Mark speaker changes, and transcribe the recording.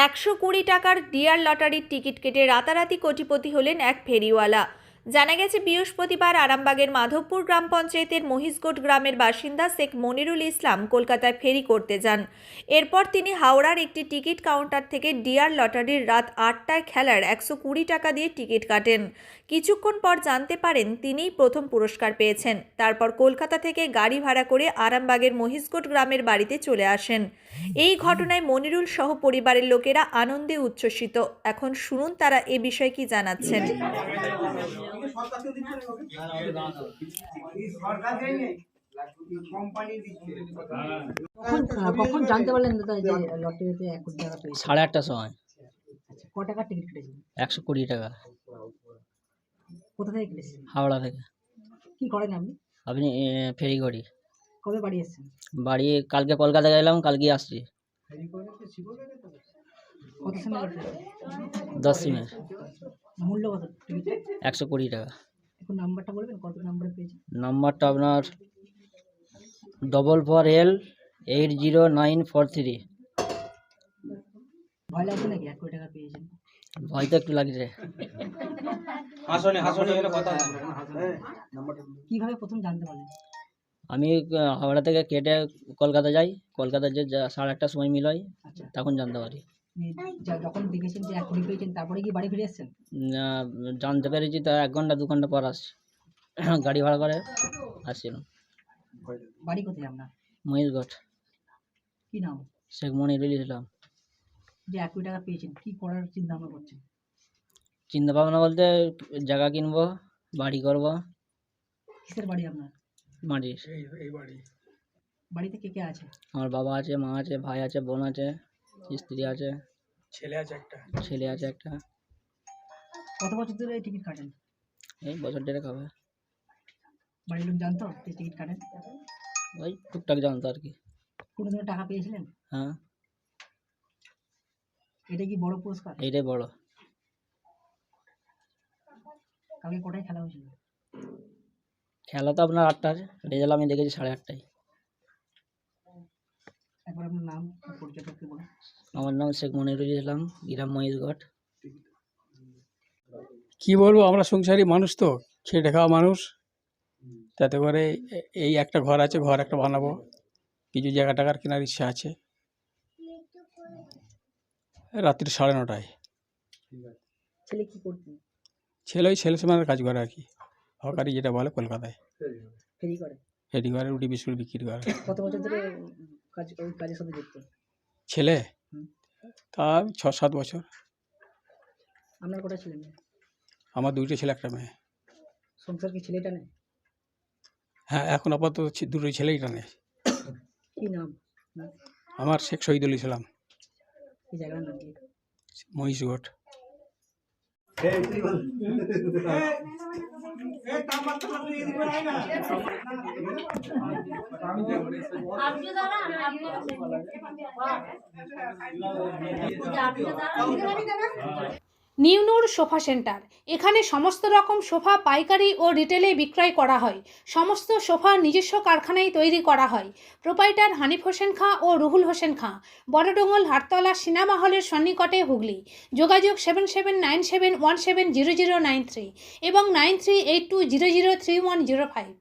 Speaker 1: 120 টাকার ডিয়ার লটারির টিকিট কেটে রাতারাতি কোটিপতি হলেন এক ফেরিওয়ালা। জানা গেছে বৃহস্পতিবার আরামবাগের মাধবপুর গ্রাম পঞ্চায়েতের মহিষগোট গ্রামের বাসিন্দা শেখ মনিরুল ইসলাম কলকাতায় ফেরি করতে যান। এরপর তিনি হাওড়ার একটি টিকিট কাউন্টার থেকে ডিয়ার লটারির রাত 8টায় খেলার 120 টাকা দিয়ে টিকিট কাটেন। কিছুক্ষণ পর জানতে পারেন তিনিই প্রথম পুরস্কার পেয়েছেন। তারপর কলকাতা থেকে গাড়ি ভাড়া করে আরামবাগের মহিষগোট গ্রামের বাড়িতে চলে আসেন। এই ঘটনায় মনিরুল সহ পরিবারের লোকেরা আনন্দে উচ্ছ্বসিত। এখন শুনুন তারা এ বিষয়ে কি জানাচ্ছেন।
Speaker 2: কখন জানতে পারলেন দাদা যে লটারিতে 1 কোটি টাকা পেয়েছেন?
Speaker 3: 8:30টার সময়।
Speaker 2: আচ্ছা, কত টাকার টিকিট কেটেছেন?
Speaker 3: 120 টাকা।
Speaker 2: কোথা থেকে কেটেছেন?
Speaker 3: হাওড়া থেকে।
Speaker 2: কি করেন আপনি?
Speaker 3: আপনি ফেরি করি।
Speaker 2: কবে বাড়ি এসেছেন?
Speaker 3: বাড়ি কালকে কলকাতা গেলাম, কালকে আসছি।
Speaker 2: কত সময় কাটলেন?
Speaker 3: 10 সিমের।
Speaker 2: মূল্য কত টিকিটের?
Speaker 3: 120 টাকা।
Speaker 2: এখন নাম্বারটা বলবেন কত নাম্বারে পেয়েছেন?
Speaker 3: নাম্বারটা আপনার 44L80943।
Speaker 2: ভয় লাগছে নাকি 1 কোটি টাকা পেয়েছেন?
Speaker 3: ভয় তো একটু লাগছে।
Speaker 2: কিভাবে প্রথম জানতে পারলেন?
Speaker 3: আমি হাওড়া থেকে কেটে কলকাতা যাই। কলকাতা যে 8:30টার সময় মিল হয়,
Speaker 2: আচ্ছা,
Speaker 3: তখন জানতে পারি।
Speaker 2: যখন দেখেছেন যে 1 কোটি পেয়েছেন তারপরে কি বাড়ি ফিরে এসেছেন?
Speaker 3: জানতে পেরেছি তো 1 ঘন্টা 2 ঘন্টা পর আসছি। গাড়ি ভাড়া করে আসছিলাম।
Speaker 2: বাড়ি কোথায় আপনার?
Speaker 3: মহিষগড়।
Speaker 2: কি নাম?
Speaker 3: শেখ মনিরুল ইসলাম।
Speaker 2: যে 1 কোটি টাকা পেয়েছেন কি করার চিন্তা ভাবনা করছেন?
Speaker 3: চিন্তা ভাবনা বলতে জায়গা কিনবো, বাড়ি করব।
Speaker 2: কিসের বাড়ি আপনার?
Speaker 3: মাটির।
Speaker 2: বাড়িতে কে কে আছে?
Speaker 3: আমার বাবা আছে, মা আছে, ভাই আছে, বোন আছে, স্ত্রী আছে, ছেলে আছে একটা।
Speaker 2: কত বছর ধরে এই টিকিট কাটেন?
Speaker 3: এই বছর দেড়েক হবে।
Speaker 2: বাড়ির লোক জানতো যে টিকিট কাটেন?
Speaker 3: ওই টুকটাক জানতো আর কি।
Speaker 2: কোনোদিনও টাকা পেয়েছিলেন?
Speaker 3: হ্যাঁ,
Speaker 2: এটা কি বড় পুরস্কার?
Speaker 3: এইটাই বড়।
Speaker 2: কালকে কোটায় খেলা হয়েছিল?
Speaker 3: খেলা তো আপনার 8টার, রেজাল্ট আমি দেখেছি 8:30টায়।
Speaker 2: একবার আপনার নাম পরিচয়টা একটু বলুন।
Speaker 3: আমার নাম শেখ মনিরুল ইসলাম, গ্রাম মহিষগড়।
Speaker 4: কি বলবো, আমরা সংসারী মানুষ তো, খেটে খাওয়া মানুষ। তাতে করে এই একটা ঘর আছে, ঘর একটা বানাবো, কিছু জায়গা টাকার কেনার ইচ্ছা আছে। রাত্রি 9:30টায়।
Speaker 2: ছেলে কি করতেন?
Speaker 4: ছেলে ওই ছেলে সমানের কাজ করে আর কি, হকারি যেটা বলে কলকাতায়।
Speaker 2: ফেরি করে?
Speaker 4: ফেরি করে, রুটি বিস্কুট বিক্রি করে।
Speaker 2: কত বছর ধরে ওই কাজের সাথে যুক্ত?
Speaker 4: ছেলে তা 6-7 বছর।
Speaker 2: আপনার কটা ছেলে মেয়ে?
Speaker 4: আমার 2টো ছেলে, একটা মেয়ে।
Speaker 2: সংসার কি ছেলেটা নেই?
Speaker 4: হ্যাঁ, এখন আপাতত 2টোই ছেলেই টানে।
Speaker 2: কি নাম?
Speaker 4: আমার শেখ শহীদুল ইসলাম,
Speaker 2: এই জায়গার নাম কি?
Speaker 4: মহিষগড়।
Speaker 5: নিউনুর সোফা সেন্টার। এখানে সমস্ত রকম সোফা পাইকারি ও রিটেলে বিক্রয় করা হয়। সমস্ত সোফা নিজস্ব কারখানায় তৈরি করা হয়। প্রোপাইটার হানিফ হোসেন খাঁ ও রুহুল হোসেন খাঁ, বড়ডোঙ্গল হাটতলা সিনেমা হলের সন্নিকটে, হুগলি। যোগাযোগ 7797170093 এবং 9382003105।